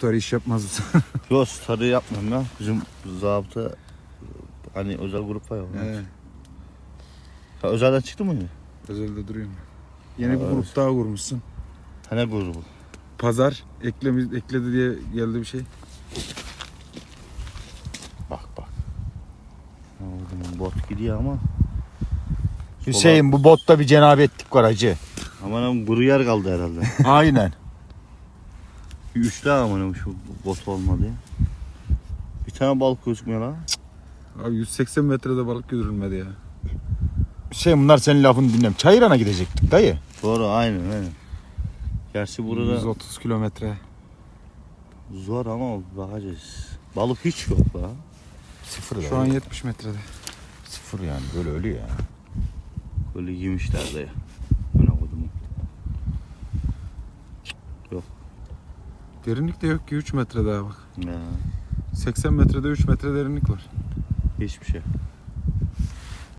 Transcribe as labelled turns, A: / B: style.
A: Story iş yapmaz mısın?
B: Yok story yapmıyorum ya. Bizim zabıta hani özel grup var ya.
A: Evet.
B: Ya özelden çıktı mı?
A: Özelde duruyorum. Yeni bir
B: Evet.
A: grup daha kurmuşsun.
B: Ne grubu?
A: Pazar ekledi diye geldi bir şey.
B: Bak bak. Oğlum bot gidiyor ama.
C: Hüseyin bu botta bir cenabetlik var hacı.
B: Aman kuru yer kaldı herhalde.
C: Aynen.
B: Bir üçlü aman şu bot olmadı ya. Bir tane balık gözükmüyor lan.
A: Abi 180 metrede balık götürülmedi ya.
C: Hüseyin bunlar senin lafını dinlem. Çayıran'a gidecektik dayı.
B: Doğru aynen. Gerçi burada
A: 130 kilometre.
B: zor ama bakacağız. Balık hiç yok la.
C: Sıfır
A: Şu an 70 metrede.
C: sıfır yani böyle ölüyor ya.
B: Böyle yemişler de ya. Ana kodumu.
A: Derinlik de yok ki 3 metre daha bak.
B: Ya
A: 80 metrede 3 metre derinlik var.
B: hiçbir şey.